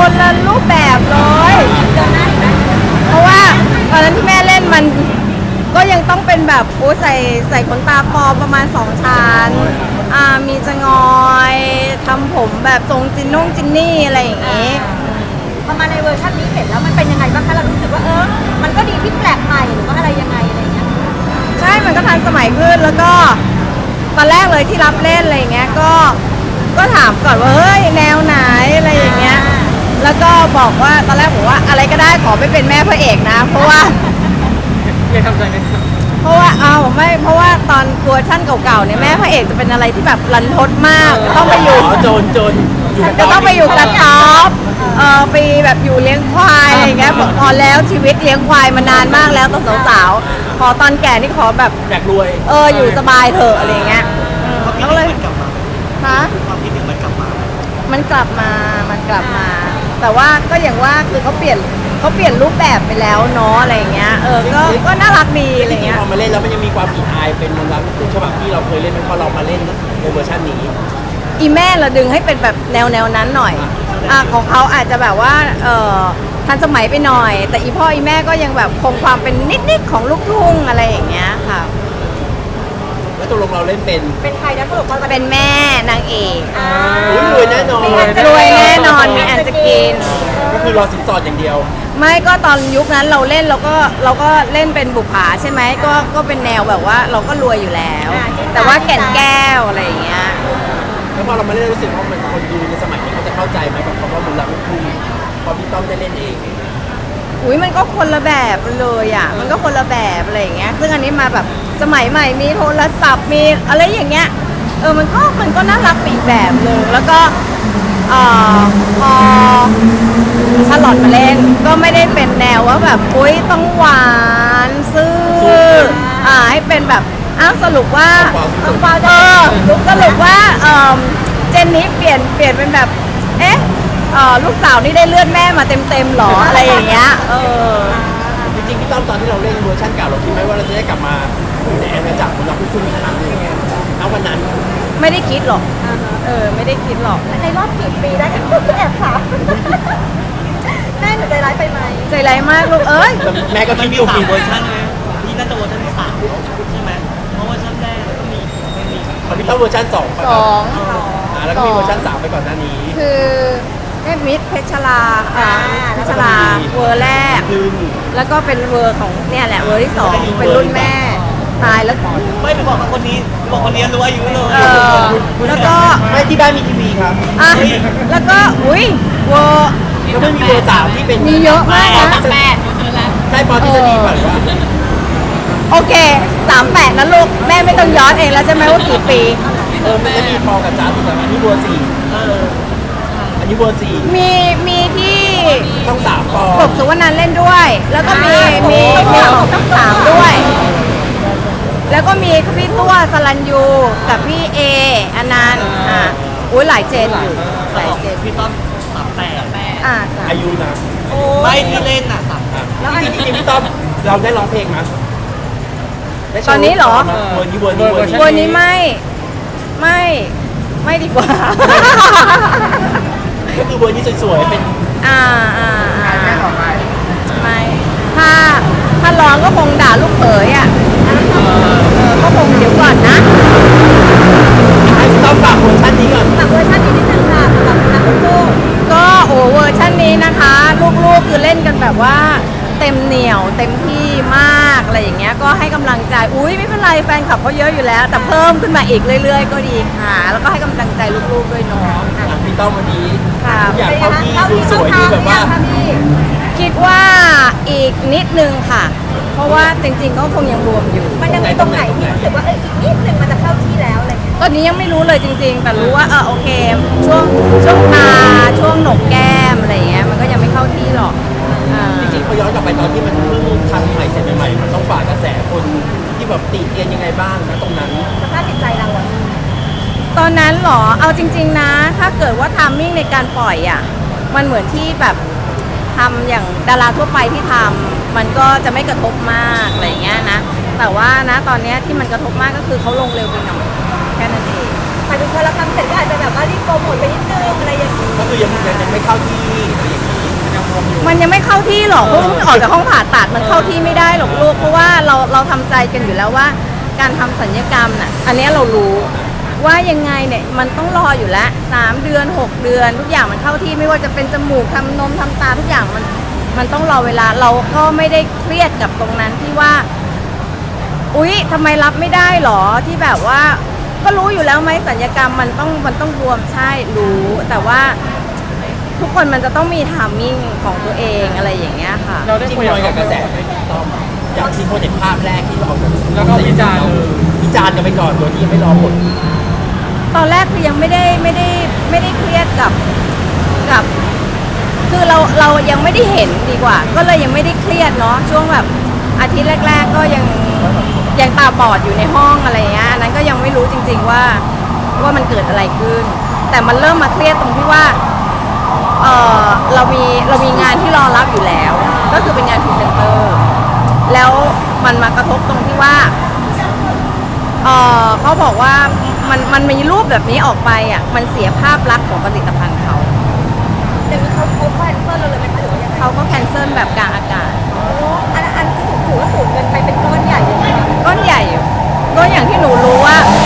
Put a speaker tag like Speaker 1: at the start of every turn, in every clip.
Speaker 1: คนละรูปแบบเลยเพราะว่าตอนนั้นที่แม่เล่นมันก็ยังต้องเป็นแบบโอ้ใส่ขนตาปลอมประมาณ2ชั้นมีจะงอยทำผมแบบทรงจินนี่อะไรอย่างงี้
Speaker 2: พอมาในเวอร์ชันนี้เห็นแล้วมันเป็นยังไงบ้างคะเรารู้สึกว่ามันก็ดีที่แปลกใหม่หรือว่าอะไรยังไงอะไรเงี้ย
Speaker 1: ใช่มันก็ทันสมัยขึ้นแล้วก็ตอนแรกเลยที่รับเล่นอะไรอย่างเงี้ยก็ถามก่อนว่าเฮ้ยแนวไหนอะไรอย่างเงี้ยแล้วก็บอกว่าตอนแรกบอกว่าอะไรก็ได้ขอไม่เป็นแม่พระเอกนะเพราะว่า
Speaker 3: ไม่ทำใจไหม
Speaker 1: เพราะว่าไม่เพราะว่าตอนเวอร์ชั่นเก่าๆเนี่ยแม่พระเอกจะเป็นอะไรที่แบบรันทดมากต้องไปอยู่
Speaker 3: โจน
Speaker 1: จะต้องไปอยู่กระต๊อบไปแบบอยู่เลี้ยงควายอะไรอย่างเงี้ยบอกพอแล้วชีวิตเลี้ยงควายมานานมากแล้วตอนสาวๆขอตอนแก่นี่ขอแบบ
Speaker 3: อยากรวย
Speaker 1: อยู่สบายเถอะอะไรอย่างเงี้ย
Speaker 4: แล้วเลยกลับมา
Speaker 1: ฮะ
Speaker 4: ความคิดถึงมันกลับมา
Speaker 1: มันกลับมาแต่ว่าก็อย่างว่าคือเขาเปลี่ยนรูปแบบไปแล้วเนาะอะไรอย่างเงี้ยก็น่ารักดีอะไรเงี้ย
Speaker 3: พอมาเล่นแล้วมันยังมีความอีอายเป็นมนต์รักลูกฉบับที่เราเคยเล่นพอเรามาเล่นในเวอร์ชันนี้
Speaker 1: อีแม่เราดึงให้เป็นแบบแนวนั้นหน่อยของเขาอาจจะแบบว่าทันสมัยไปหน่อยแต่อีพ่ออีแม่ก็ยังแบบคงความเป็นนิดของลูกทุ่งอะไรอย่างเงี้ยค่ะ
Speaker 3: แล้วตัวลงเราเล่น
Speaker 2: เป็นใครนะสรุป
Speaker 1: เป็นแม่นางเอก
Speaker 3: รวยแน่นอน
Speaker 1: มีอันจะกิน
Speaker 3: ก็คือรอสินสอดอย่างเดียว
Speaker 1: ไม่ก็ตอนยุคนั้นเราเล่นเราก็เล่นเป็นบุปผาใช่ไหมก็เป็นแนวแบบว่าเราก็รวยอยู่แล้วแต่ว่าแก่นแก้วอะไรอย่างเงี้ย
Speaker 3: แล้วพอเรามาเล่นรู้สึกว่ามันคนดูในสมัยนี้เขาจะเข้าใจไหมกับคำว่ามนต์รักลูกทุ่งพอพี่ต้อมได้เล่นเอง
Speaker 1: มันก็คนละแบบเลยอ่ะมันก็คนละแบบอะไรอย่างเงี้ยซึ่งอันนี้มาแบบสมัยใหม่มีโทรศัพท์มีอะไรอย่างเงี้ยมันก็น่ารักอีกแบบหนึ่งแล้วก็พอชาลอตมาเล่นก็ไม่ได้เป็นแนวว่าแบบต้องหวานซื่อให้เป็นแบบสรุปว่าสรุปว่าเจนนี้เปลี่ยนเป็นแบบลูกสาวนี่ได้เลือดแม่มาเต็มหรออะไรอย่างเงี้ย
Speaker 3: จริงๆพี่ต้อมตอนที่เราเล่นเวอร์ชันเก่าเราคิดไหมว่าเราจะได้กลับมาอยู่ในอาณาจักรของเราคุณอีกครั้งนึงณวันนั้น
Speaker 1: ไม่ได้คิดหรอกไม่ได้คิดหรอก
Speaker 2: ในรอบกี่ปีได้กันแอบถามแม่หนูใจร้ายไปไหม
Speaker 1: ใจร้ายมากลูก
Speaker 3: แม่ก็คิด
Speaker 4: มี3เวอร์ชันเลยนี่น่าจะเวอร์ชันที่3ใช่ไหมเพราะเวอร์ชันแรกก็มี
Speaker 3: พี่ต้อมเวอร์ชัน2แล้วก็มีเวอร์ชัน3ไปก่อนหน้านี้
Speaker 1: คือมิตรเพชรลาเวอร์แรกแล้วก็เป็นเวอร์ของเนี่ยแหละเวอร์ที่2เป็นรุ่นแม่ตายแล้ว
Speaker 4: ไม่ไปบอกคนนี้บอกคนนี้รู้อายุเลย
Speaker 1: แล้วก็
Speaker 3: ไม่ที่บ้านมีทีวีครับ
Speaker 1: แล้วก็เวอร์
Speaker 3: แล้วไม่มีเวอร์3ที่เป็น
Speaker 1: มีเยอะมากนะ
Speaker 3: ใช่ปอทฤษฎีป่ะหรือว่า
Speaker 1: โอเค38นะลูกแม่ไม่ต้องย้อนเองแล้วใช่ไหมว่ากี่ปี
Speaker 3: มันจะมีพอกับจ้าถูกไหมอันนี้เวอร์4อันนี้เวอร์4
Speaker 1: มีที่
Speaker 3: ต้อง3ปอก
Speaker 1: บสุวรรณเล่นด้วยแล้วก็มีต้อง3ด้วยแล้วก็มีพี่ตัวสลันยูกับพี่เออนันต์หลายเจนอยู่หลายเจน
Speaker 4: พี่ต้อม38
Speaker 3: อายุนะ
Speaker 4: ไม่ที่เล่น38
Speaker 3: แล้วจริงๆพี่ต้อมเราได้ร้องเพลงมั้ย
Speaker 1: ตอนนี้เหรอ
Speaker 3: เวอร์
Speaker 1: นี้ไม่ดีกว่า
Speaker 3: ก็คือเวอร์นี้สวยๆเป็น
Speaker 1: ไม่ถ้าร้องก็คงด่าลูกเขยก็คงเดี๋ยวก่อนนะ
Speaker 3: ให้พี่ต้อมฝากเวอร์ชันนี้ก่อน
Speaker 2: ฝากเวอร์ชันนี้นิดนึงค่ะสำหรับนักลูก
Speaker 1: ก็เวอร์ชันนี้นะคะลูกๆคือเล่นกันแบบว่าเต็มเหนียวเต็มที่มากอะไรอย่างเงี้ยก็ให้กำลังใจไม่เป็นไรแฟนคลับเขาเยอะอยู่แล้วแต่เพิ่มขึ้นมาอีกเรื่อยๆก็ดีค่ะแล้วก็ให้กำลังใจลูกๆด้วยเนาะ
Speaker 3: พี่ต้อมวันนี้
Speaker 1: อยาก
Speaker 3: เข้าที่ดูสวยดูแบบว่า
Speaker 1: คิดว่าอีกนิดนึงค่ะเพราะว่าจริงๆก็คงยังรวมอยู่
Speaker 2: มันยังมีตรงไหนที่รู้สึกว่าอีกนิดนึงมันจะเข้าที่แล้วอะไรเงี้ย
Speaker 1: ตอนนี้ยังไม่รู้เลยจริงๆแต่รู้ว่าโอเคช่วงตาช่วงหนกแก้มอะไรเงี้ยมันก็ยังไม่เข้าที่หรอก
Speaker 3: จริงๆพอย้อนกลับไปตอนที่มันเพิ่งทำใหม่เสร็จใหม่มันต้องฝ่ากระแสคนที่แบบติเตียนยังไงบ้างนะตรงนั้น
Speaker 2: สภาพจิตใจเรา
Speaker 1: ตอนนั้นหรอเอาจริงๆนะถ้าเกิดว่าทามมิ่งในการปล่อยมันเหมือนที่แบบทำอย่างดาราทั่วไปที่ทำมันก็จะไม่กระทบมากอะไรเงี้ยนะแต่ว่านะตอนนี้ที่มันกระทบมากก็คือเขาลงเร็วไปหน่อยแค่นั้นเอง
Speaker 2: หมายถึงพอเราทำเสร็จก็อาจจะแบบว่ารีบโปรโมทไปนิดนึงอะไรอย่างนี้
Speaker 3: ก็คือยังไม่เข้าที่อะไรอย่างนี้ยังรวมอยู่
Speaker 1: มันยังไม่เข้าที่หรอกเพราะมันออกจากห้องผ่าตัดมันเข้าที่ไม่ได้หรอกลูกเพราะว่าเราทำใจกันอยู่แล้วว่าการทำศัลยกรรมน่ะอันเนี้ยเรารู้ว่ายังไงเนี่ยมันต้องรออยู่แล้ว3 เดือน 6 เดือนทุกอย่างมันเข้าที่ไม่ว่าจะเป็นจมูกทำนมทำตาทุกอย่างมันต้องรอเวลาเราก็ไม่ได้เครียดกับตรงนั้นที่ว่าอุ๊ยทำไมรับไม่ได้หรอที่แบบว่าก็รู้อยู่แล้วไหมศัลยกรรมมันต้องบวมใช่รู้แต่ว่าทุกคนมันจะต้องมีไทมิ่งของตัวเองอะไรอย่างเงี้ยค่ะ
Speaker 5: เราได้
Speaker 3: จริง
Speaker 5: คุย
Speaker 3: ๆ
Speaker 5: กับ
Speaker 3: กับกระแส
Speaker 5: เขา
Speaker 3: ต้อมอย่างที่โปรเจกต์ภาพแรกที่เราออกจาก
Speaker 5: แล้วก็วิจารณ์
Speaker 3: วิจารณ์กันไปก่อนโดยที่ยังไม่รอผล
Speaker 1: ตอนแรกคือยังไม่ได้เครียดกับคือเรายังไม่ได้เห็นดีกว่า ก็เลยยังไม่ได้เครียดเนาะช่วงแบบอาทิตย์แรก ๆ ก็ยังตาบอดอยู่ในห้องอะไรเงี้ยอันนั้นก็ยังไม่รู้จริง ๆว่ามันเกิดอะไรขึ้น แต่มันเริ่มมาเครียดตรงที่ว่าเรามีงานที่รอรับอยู่แล้ว ก็คือเป็นงานพรีเซนเตอร์แล้วมันมากระทบตรงที่ว่าเขาบอกว่ามันมีรูปแบบนี้ออกไปอ่ะมันเสียภาพลักษณ์ของผลิตภัณฑ์เขา
Speaker 2: อย่างนี้เขาแคนเซิลเราเลยไหมคะหรือว่ายังไง
Speaker 1: เขาก็แคนเซิลแบบกลางอากาศ
Speaker 2: อันถือว่าสูญเงินไปเป็นก้อนใหญ่เลยนะคะ
Speaker 1: ก้อนใหญ่อยู่ก็อย่างที่หนูรู้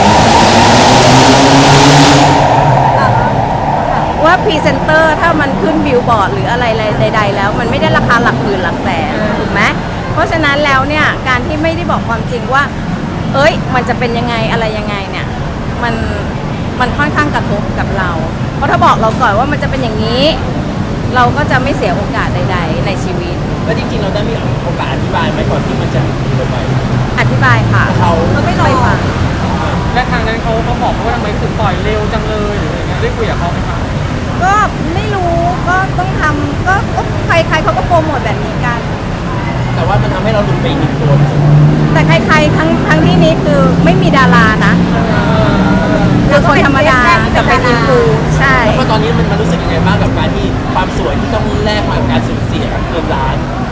Speaker 1: ว่าพรีเซนเตอร์ถ้ามันขึ้นบิลบอร์ดหรืออะไรใดๆแล้วมันไม่ได้ราคาหลักหมื่นหลักแสนถูกไหมเพราะฉะนั้นแล้วเนี่ยการที่ไม่ได้บอกความจริงว่าเอ้ยมันจะเป็นยังไงอะไรยังไงเนี่ยมันค่อนข้างกระทบกับเราเพราะถ้าบอกเราก่อนว่ามันจะเป็นอย่างนี้ เราก็จะไม่เสียโอกาสใดๆในชีวิต
Speaker 3: แล้วจริงๆเราได้มีโอกาสอธิบายไหมก่อนที่มันจะเกิดไป
Speaker 1: อธิบายค่ะ
Speaker 3: เขา
Speaker 2: เราไม่รอ
Speaker 1: ฟัง
Speaker 5: และทางนั้นเขาบอกว่าทำไมถึงปล่อยเร็วจังเลยหรืออะไรเงี้ยได้คุยกับเขาไหมคะ
Speaker 1: ก็ไม่รู้ก็ต้องทำก็ใครเขาก็โปรโมทแบบนี้กัน
Speaker 3: แต่ว่ามันทำให้เราหลุดไปอีกหนึ่งตัว
Speaker 1: แต่ใครๆทั้งที่นี้คือไม่มีดารานะคือคนธรรมดากับเป็นอินฟูใช่
Speaker 3: แล้วก็ตอนนี้มันรู้สึกยังไงบ้างกับการที่ความสวยที่ต้องแลกมากับการสูญเสียเงินล้าน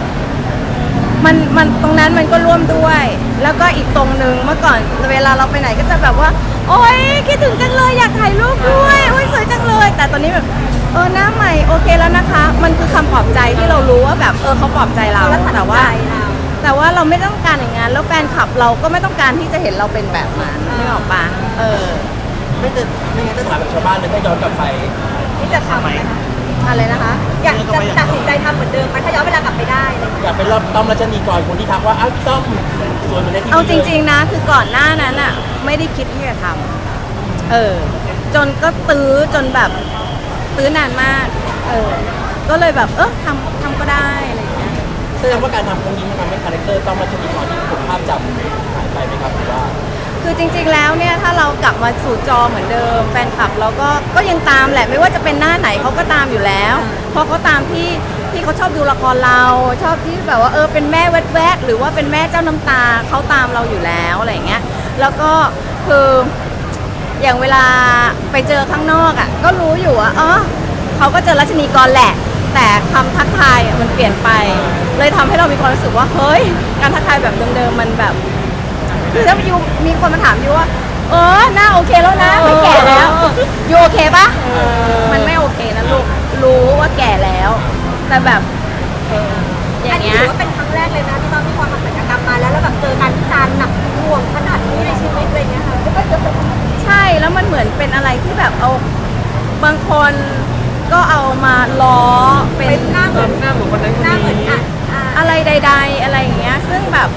Speaker 1: มันตรงนั้นมันก็ร่วมด้วย แล้วก็อีกตรงนึงเมื่อก่อนเวลาเราไปไหนก็จะแบบว่า โอ๊ยคิดถึงจังเลยอยากถ่ายรูปด้วยโอ๊ยสวยจังเลย แต่ตอนนี้แบบหน้าใหม่โอเคแล้วนะคะ มันคือคำปลอบใจที่เรารู้ว่าแบบเขาปลอบใจเรา
Speaker 2: แล้ว
Speaker 1: แต่ว่าเราไม่ต้องการอย่างนั้นแล้วแฟนคลับเราก็ไม่ต้องการที่จะเห็นเราเป็นแบบนั้นนึกออกปะ
Speaker 3: ไม่งั้นจะถามแบบชาวบ้านเลยถ้าย้อนกลับไป
Speaker 2: ที่จะทำไหมคะ
Speaker 1: อะไรนะคะ
Speaker 2: อยากจะตัดสินใจทำเหมือนเดิมไหมถ้าย้อนเวลากลับไปได้อะไรอย่างเงี้ย
Speaker 3: อยากเป็นรอบต้อมรัชนีกรคนที่ทักว่าอ้าวพี่ต้อมสวยเหมือนในทีวี
Speaker 1: เอาจริงๆนะคือก่อนหน้านั้นอ่ะไม่ได้คิดที่จะทำจนก็ตื้อจนแบบตื้อนานมากก็เลยแบบทำก็ได้อะไรอย่างเงี้ย
Speaker 3: แสดงว่าการทำครั้งนี้มันทำให้คาแรคเตอร์ต้อมรัชนีกรที่ผมภาพจำหายไปไหมครับหรือว่า
Speaker 1: คือจริงๆแล้วเนี่ยถ้าเรากลับมาสู่จอเหมือนเดิมแฟนคลับเราก็ยังตามแหละไม่ว่าจะเป็นหน้าไหนเขาก็ตามอยู่แล้วเพราะเขาตามที่เขาชอบดูละครเราชอบที่แบบว่าเป็นแม่แวดๆหรือว่าเป็นแม่เจ้าน้ำตาเขาตามเราอยู่แล้วอะไรอย่างเงี้ยแล้วก็คืออย่างเวลาไปเจอข้างนอกอ่ะก็รู้อยู่ว่าเขาก็เจอรัชนีกรแหละแต่คำทักทายมันเปลี่ยนไปเลยทำให้เรามีความรู้สึกว่าเฮ้ยการทักทายแบบเดิมๆมันแบบคือถ้ายูมีคนมาถามยูว่าหน้าโอเคแล้วนะไม่แก่แล้วยูโอเคปะมันไม่โอเคนะลูกรู้ว่าแก่แล้ว แต่แบบอ
Speaker 2: อั
Speaker 1: ย่าน ง
Speaker 2: นี้
Speaker 1: เงี้ย
Speaker 2: ถือว่าเป็นครั้งแรกเลยนะที่ตอนที่พอทำศัลยกรรมมาแล้วแบบเจอการวิจารณ์หนักหน่วงขนาดนี้ในชีวิตอะไรเงี้ยค่ะ
Speaker 1: ใช่แล้วมันเหมือนเป็นอะไรที่แบบเอาบางคนก็เอามาล้อเป็น
Speaker 2: หน้าเหมือน
Speaker 5: หน้าเหมือนคนนั้นคน
Speaker 2: หน้าเหมือน
Speaker 5: นี้
Speaker 1: อะไรใด ๆ อะไรอย่างเงี้ยซึ่งแบบ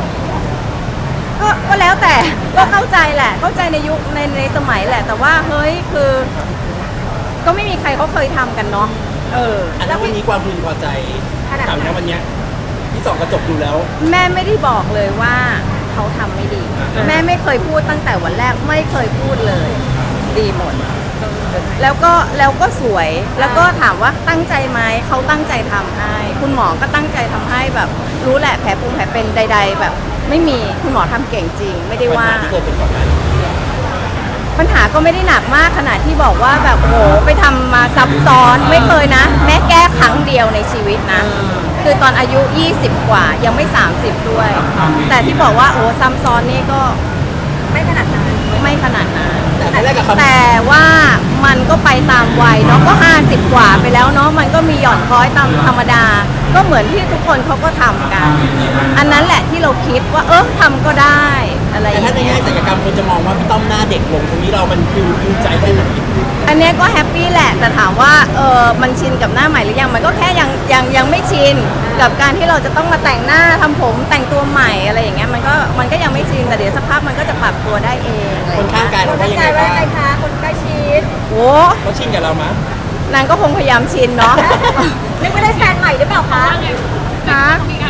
Speaker 1: ก็แล้วแต่ก็เข้าใจแหละเข้าใจในยุคในสมัยแหละ แต่ว่าเฮ้ยคือ ก็ไม่มีใครเขาเคยทำกันเนาะ
Speaker 3: อันนั้นวันนี้ความพึงพอใจถามนะวันเนี้ยที่ส่องกระจกดูแล้ว
Speaker 1: แม่ไม่ได้บอกเลยว่าเขาทำไม่ดี แม่ไม่เคยพูดตั้งแต่วันแรกไม่เคยพูดเลย ดีหมด แล้วก็สวยแล้วก็ถามว่าตั้งใจไหมเขาตั้งใจทำให้คุณหมอก็ตั้งใจทำให้แบบรู้แหละแผลปุงแผลเป็นใด ๆ แบบ ไม่มีคุณหมอทำเก่งจริง ไม่ได้ว่า
Speaker 3: ปัญหาที่เคยเป็นก่อนหน้านี้
Speaker 1: ปัญหาก็ไม่ได้หนักมากขนาดที่บอกว่าแบบโหไปทำมาซับซ้อนไม่เคยนะ แม่แก้ครั้งเดียวในชีวิตนะ คือตอนอายุ 20 กว่ายังไม่ 30 ด้วย แต่ที่บอกว่าโอ้ซ้ำซ้อนนี่ก็
Speaker 2: ไม่ขนาดนั้น
Speaker 1: ไม่ขนาดนั้น
Speaker 3: แต่แต่แรกกับคำ
Speaker 1: แต่ว่ามันก็ไปตามวัยเนาะก็ 50 กว่าไปแล้วเนาะมันก็มีหย่อนคล้อยตามธรรมดา ก็เหมือนที่ทุกคนเขาก็ทำกัน อันนั้นแหละที่เราคิดว่าทำก็ได้อะไรอ
Speaker 3: แต่
Speaker 1: ย่าง
Speaker 3: ถ้าใน
Speaker 1: เงี้
Speaker 3: แง่
Speaker 1: ย
Speaker 3: ศัลยกรรมคนจะมองว่าพี่ต้อมหน้าเด็กลงตรงนี้เรามันฟิลใจได้ไหม
Speaker 1: อันเนี้ยก็แฮปปี้แหละแต่ถามว่ามันชินกับหน้าใหม่หรือยังมันก็แค่ยังไม่ชินกับการที่เราจะต้องมาแต่งหน้าทำผมแต่งตัวใหม่อะไรอย่างเงี้ยมันก็ยังไม่ชินแต่เดี๋ยวสักพักมันก็จะปรับตัวได้เองอะไรอ
Speaker 3: คน
Speaker 1: ย่าง
Speaker 3: ข้า
Speaker 1: เงี้
Speaker 3: ง
Speaker 1: ย
Speaker 3: กายเรา
Speaker 2: คน
Speaker 3: ว่า
Speaker 2: ตั้
Speaker 3: ยัง ง
Speaker 2: ใจ
Speaker 3: ไง
Speaker 2: ไว้
Speaker 3: บ้าง
Speaker 2: ยังไงคะคนใกล้ชิด
Speaker 1: โอ้
Speaker 3: เขาชินกับเรามั้ย
Speaker 1: นางก็คงพยายามชินเนาะ
Speaker 2: นึกว่าได้แฟนใหม่หรือเปล่าคะ
Speaker 1: นะ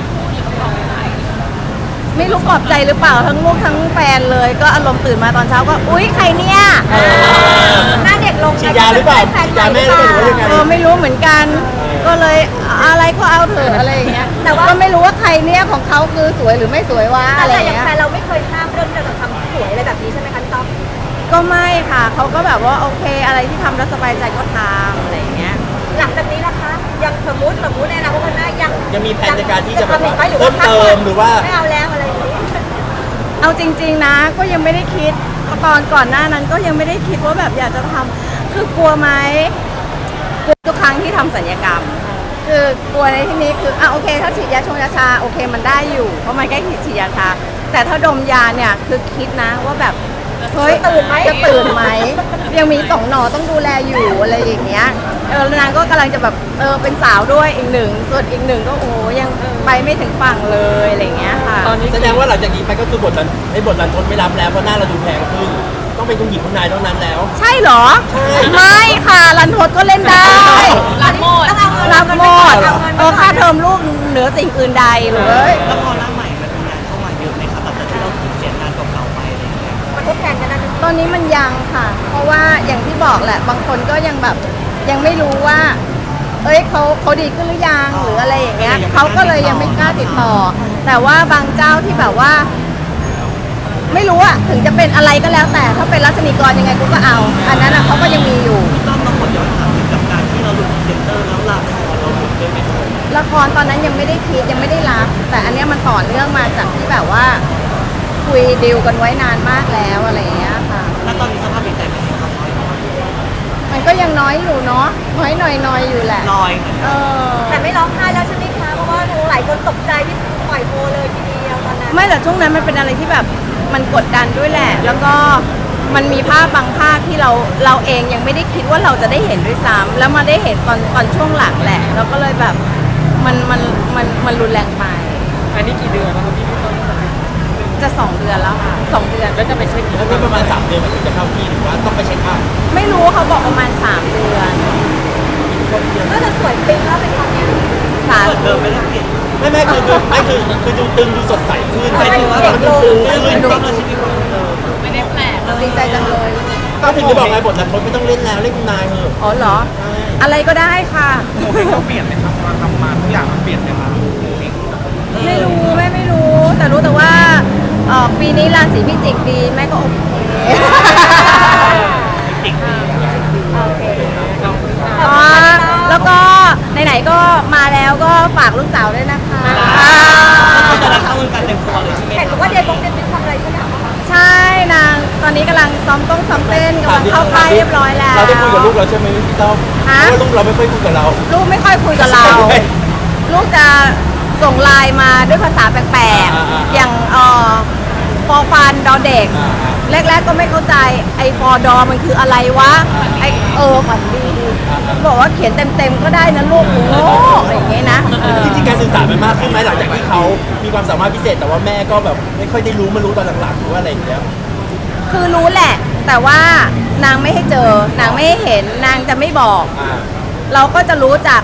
Speaker 1: ไม่รู้ปลอบใจหรือเปล่าทั้งลูกทั้งแฟนเลย ก็อารมณ์ตื่นมาตอนเช้าก็อุ๊ยใครเนี่ย
Speaker 2: หน้าเด็กลง
Speaker 3: ฉีดยาหรือเปล่า
Speaker 2: แฟน
Speaker 3: ฉีด
Speaker 2: ใหม่
Speaker 3: ยา
Speaker 2: ห
Speaker 3: แม่
Speaker 2: รือ
Speaker 3: ห
Speaker 2: เป
Speaker 3: รือ
Speaker 2: ล่า
Speaker 3: ว่ายังไง
Speaker 1: ไม่รู้เหมือนกัน ก็เลยอะไรก็เอาเถอะอะไรอย่างเงี้ยแต่ว่าก็ไม่รู้ว่าใครเนี่ยของเขาคือสวยหรือไม่สวยวะอะไร
Speaker 2: แต่
Speaker 1: อ
Speaker 2: อย่าง
Speaker 1: ย่าง
Speaker 2: แฟ
Speaker 1: เงี้ย
Speaker 2: นเราไม่เคยห้ามเรื่องที่เราจะทำสวยอะไรแบบนี้ใช่ไหมคะพี่ต๊อก
Speaker 1: ก็ไม่ค่ะเขาก็แบบว่าโอเคอะไรที่ทำแล้วสบายใจก็ทำอะไรอย่างเงี้ย
Speaker 2: หลังจากนี้นะคะยังสมมติในอนาคตข้างหน้ายัง
Speaker 3: ยังมีแผนในการที่จะแบบว่า
Speaker 2: ทำอีกไหมหรือ
Speaker 3: เพิ่
Speaker 2: ว่าม
Speaker 3: เติมหรือว่า
Speaker 2: ไม่เอาแล้วอะไรอย่างนี้
Speaker 1: เอาจริงๆนะก็ยังไม่ได้คิดตอนก่อนหน้านั้นก็ยังไม่ได้คิดว่าแบบอยากจะทำคือกลัวไหมกลัวทุกครั้งที่ทำศัลยกรรม คือกลัวในที่นี้คือโอเค ถ้าฉีดยาชงยาชาโอเคมันได้อยู่เพราะมันใกล้ฉีดยาชาแต่ถ้าดมยาเนี่ยคือคิดนะว่าแบบเฮ้ย
Speaker 2: จะตื่นไหม
Speaker 1: จะตื่นไหมยังมี2 หนอต้องดูแลอยู่อะไรอย่างเงี้ยแล้วนางก็กำลังจะแบบเป็นสาวด้วยอีกหนึ่งส่วนอีกหนึ่งก็โอ้ยังไปไม่ถึงฝั่งเลยอะไรอย่างเงี้ยค่ะ
Speaker 5: ตอนนี้
Speaker 3: แสดงว่าหลังจากนี้ไปก็คือบทรันทดไม่รับแล้วเพราะหน้าเราดูแพงขึ้นต้องเป็นคุณหญิงคุณนายเท่านั้นแล้ว
Speaker 1: ใช่เหรอ
Speaker 3: ใช่
Speaker 1: ไม่ค่ะรันทดก็เล่นได้
Speaker 2: รับหมดต้องเอาเงิน
Speaker 1: รับหมด
Speaker 2: เอาเงิน
Speaker 1: ค่าเทอมลูกเหนือสิ่งอื่นใดเลย
Speaker 4: แล้วพอหน้าใหม่มันมีงานเข้ามาเยอะไหมครับหลังจากที่เราสูญเสียงานเก่าๆไปอะไรอย่างเงี้ย
Speaker 2: มาทดแทนกันนะ
Speaker 1: ตอนนี้มันยังค่ะ เพราะว่าอย่างที่บอกแหละ บางคนก็ยังแบบยังไม่รู้ว่า เขาดีขึ้นหรือยังหรืออะไรอย่างเงี้ยเขาก็เลยยังไม่กล้าติดต่อ แต่ว่าบางเจ้าที่แบบว่า ไม่รู้อะถึงจะเป็นอะไรก็แล้วแต่ถ้าเป็นรัชนีกรยังไงกูก็เอา อันนั้นเขาก็ยังมีอยู่
Speaker 4: พี่ต้อมเราขอย้อนถามถึงกับการที่เราหลุดเซ็นเตอร์แล้วลาครเราหลุดด้วยไหมครับ
Speaker 1: ละครตอนนั้นยังไม่ได้คิดยังไม่ได้รับ แต่อันเนี้ยมันต่อเนื่องมาจากที่แบบว่า คุยดีลกันไว้นานมากแล้วอะไรอย่างเงี้ยค่ะ
Speaker 4: แล้วตอนนี้สภาพจิตใจเป็นยังไงครับ
Speaker 1: มันก็ยังน้อยอยู่เนาะน้อยหน่อยอยู่แหละ
Speaker 4: ลอยเหมือน
Speaker 1: เอ
Speaker 4: กัน
Speaker 1: อ
Speaker 2: แต่ไม่ร้องไห้แล้วใช่ไหมคะเพราะว่าหลายคนตกใจที่ปล่อยโฮเลยทีเดียวตอนนั้น
Speaker 1: ไม่แต่ช่วงนั้นมันเป็นอะไรที่แบบมันกดดันด้วยแหละ แล้วก็มันมีภาพบางภาพที่เราเองยังไม่ได้คิดว่าเราจะได้เห็นด้วยซ้ำแล้วมาได้เห็นตอนช่วงหลังแหละแล้วก็เลยแบบมันรุนแรงไป
Speaker 5: อันนี้กี่เดือนแล้วครับพี่ต้น
Speaker 1: จะ2 เดือนแล้วค่ะ2 เดือน
Speaker 5: แล้วจะไปเช็คอีก
Speaker 3: แล้วนี่ประมาณ3 เดือนมันถึงจะเข้าที่หรือว่าต้องไปเช็คอัพ
Speaker 1: ไม่รู้เขาบอกประมาณ3 เดือน
Speaker 2: ก็จะสวยปิ๊งแล้วเป็นตอนเนี้ย
Speaker 1: สาม
Speaker 4: เหมือนเดิมไม่ได้เปลี่ยน
Speaker 3: คือดูตึงดูสดใสขึ้น
Speaker 4: หมายถึงว่า
Speaker 3: มันดูฟู
Speaker 4: เรื่อง
Speaker 3: ขึ้น
Speaker 4: ต้อมเราชีวิตเหมือนเดิม
Speaker 1: ดีใจจังเลย
Speaker 3: ก็ถึงจะบอกไงบทรันทดไม่ต้องเล่นแล้วเล่นคุณนายเถอะ
Speaker 1: อ๋อเหรอ อะไรก็ได้ค่ะ
Speaker 5: โมเมนต์ต้องเปลี่ยนไหมครับมาทำมาทุกอย่างมันเปลี่ยนไหมครับ
Speaker 1: ไม่รู้แม่ไม่รู้ แต่รู้แต่ว่าปีนี้ราศีพิจิกดีแม่ก็โอเค
Speaker 4: จริง
Speaker 2: โอเค
Speaker 1: อ๋อแล้วก็ไหนๆก็มาแล้วก็ฝากลูกสาวด้วยนะคะ
Speaker 4: ก็จะได้เข้าวงการเต็มตัวเลยใช่ไหม
Speaker 2: เห็น
Speaker 4: ครับ
Speaker 2: บอกว่าเดย์บงเดย์เป็นทำอะไรใช่ไหมคะ
Speaker 1: ใช่นางตอนนี้กำลังซ้อมเต้นกำลังเข้าค่ายเรียบร้อยแล้ว
Speaker 3: เราได้คุยกับลูกเราใช่ไหมพี่ต้อมเพ
Speaker 1: ฮะ
Speaker 3: ราะว่าลูกเราไม่ค่อยคุยกับเรา
Speaker 1: ลูกไม่ค่อยคุยกับเรา ลูกจะส่งไลน์มาด้วยภาษาแปลกๆ อย่างฟอฟันดอเด็ก แรกๆก็ไม่เข้าใจไอ้ฟอดอมันคืออะไรวะไอ้ฝันดีบอกว่าเขียนเต็มๆก็ได้นะลูกโอ้อะไรอย่างเงี้ยนะ
Speaker 3: จริงๆการสื่อสารมันมากขึ้นไหมหลังจากที่เขามีความสามารถพิเศษแต่ว่าแม่ก็แบบไม่ค่อยได้รู้มารู้ตอนหลังๆหรือว่าอะไรอย่างเงี้ย
Speaker 1: คือรู้แหละ แต่ว่านางไม่ให้เจอนางไม่ให้เห็นนางจะไม่บอก เราก็จะรู้จาก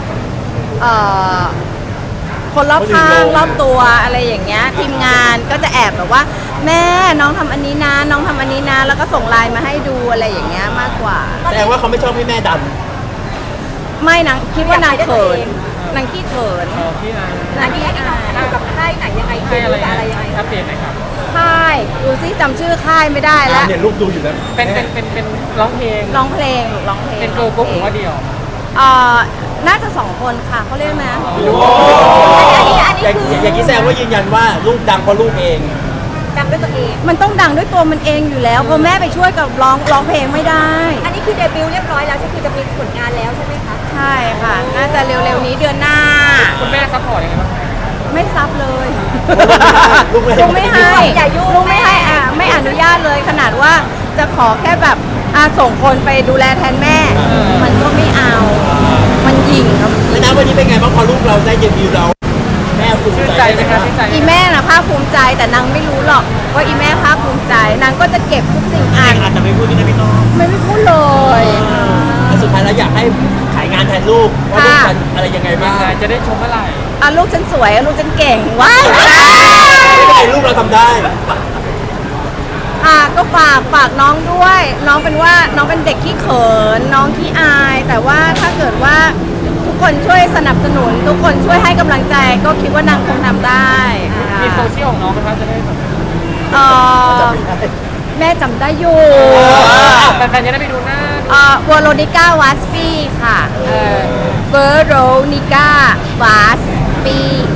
Speaker 1: คนรอบข้างรอบตัวอะไรอย่างเงี้ยทีมงานก็จะแอบแบบว่า แม่น้องทำอันนี้นะน้องทำอันนี้นะแล้วก็ส่งไลน์มาให้ดูอะไรอย่างเงี้ยมากกว่า
Speaker 3: แสดงว่าเขาไม่ชอบให้แม่ดัน
Speaker 1: ไม่นางคิดว่านางเขินนางขี้เขิน
Speaker 5: พี่นาย
Speaker 2: อันนี้อยู่กับค่ายไหนยังไง
Speaker 5: ให้อะไร
Speaker 2: อะไรยังไง
Speaker 5: อัปเดตหน่อยครับ
Speaker 1: ค่ายดูซิจำชื่อค่ายไม่ได้แล้ว
Speaker 3: เนี่ยลูกดูอยู่แล้ว
Speaker 5: เป็นร้องเพลง
Speaker 1: ร้องเพลงร้องเพลง
Speaker 5: เป็นเกิร์ลกรุ๊ปหรือว่าเดี่ยว
Speaker 1: น่าจะ2 คนค่ะเขาเรียกนะ
Speaker 2: อันนี้
Speaker 3: อย่าง
Speaker 2: คือ
Speaker 3: อย่างนี้แสดงว่ายืนยันว่าลูกดังเพราะลูกเอง
Speaker 2: ดังด้วยตัวเอง
Speaker 1: มันต้องดังด้วยตัวมันเองอยู่แล้วเพราะแม่ไปช่วยกับร้องเพลงไม่ได้
Speaker 2: อันนี้คือเดบิวต์เรียบร้อยแล้วใช่คือจะมีผลงานแล้วใช่ไหมคะ
Speaker 1: ใช่ค่ะ น่าจะเร็วๆนี้เดือนหน้า
Speaker 5: คุณแม่ซัพพอร์ตยังไงบ้าง
Speaker 1: ไม่ซับเลย
Speaker 3: ลูกไม่ให้
Speaker 1: ลุงไม่ให้ลุงไม่ให้ไม่อนุญาตเลยขนาดว่าจะขอแค่แบบส่งคนไปดูแลแทนแม่ มันก็ไม่เอา มันหยิ่งครับ
Speaker 3: แล้วนะวันนี้เป็นไงบ้างพอลูกเราได้เดบิวต์เราแม่ภูมิ
Speaker 5: ชื่น
Speaker 3: ใจ
Speaker 5: ใจไหมคะชื่นใจไหม
Speaker 1: อีแม่น่ะภาคภูมิใจแต่นางไม่รู้หรอกว่าอีแม่ภาคภูมิใจนางก็จะเก็บทุกสิ่งอ่าน
Speaker 4: อาจจะไม่พูดที่นะพี่ก้อง
Speaker 1: ไม่พูดเลย
Speaker 3: แต่สุดท้ายแล้วอยากให้ขายงานแทนลูกว่าลูกฉันอะไรยังไงบ้าง
Speaker 5: จะได้ชมเมื่อไหร่
Speaker 1: ลูกฉันสวยลูกฉันเก่งว้าย
Speaker 3: ไม่เป็นไรลูกเราทำได้
Speaker 1: ก็ฝากน้องด้วย น้องเป็นเด็กขี้เขินน้องขี้อาย แต่ว่าถ้าเกิดว่าทุกคนช่วยสนับสนุน ทุกคนช่วยให้กำลังใจ ก็คิดว่านางคงทำได้
Speaker 5: มีโซเชียลของน้องนะคะจะได้แบบ
Speaker 1: แม่จำได้อยู่
Speaker 5: แฟนๆจะได้ไปดูหน้า
Speaker 1: วอโรนิก้าวัสฟีค่ะเวอโรนิก้าวัสฟี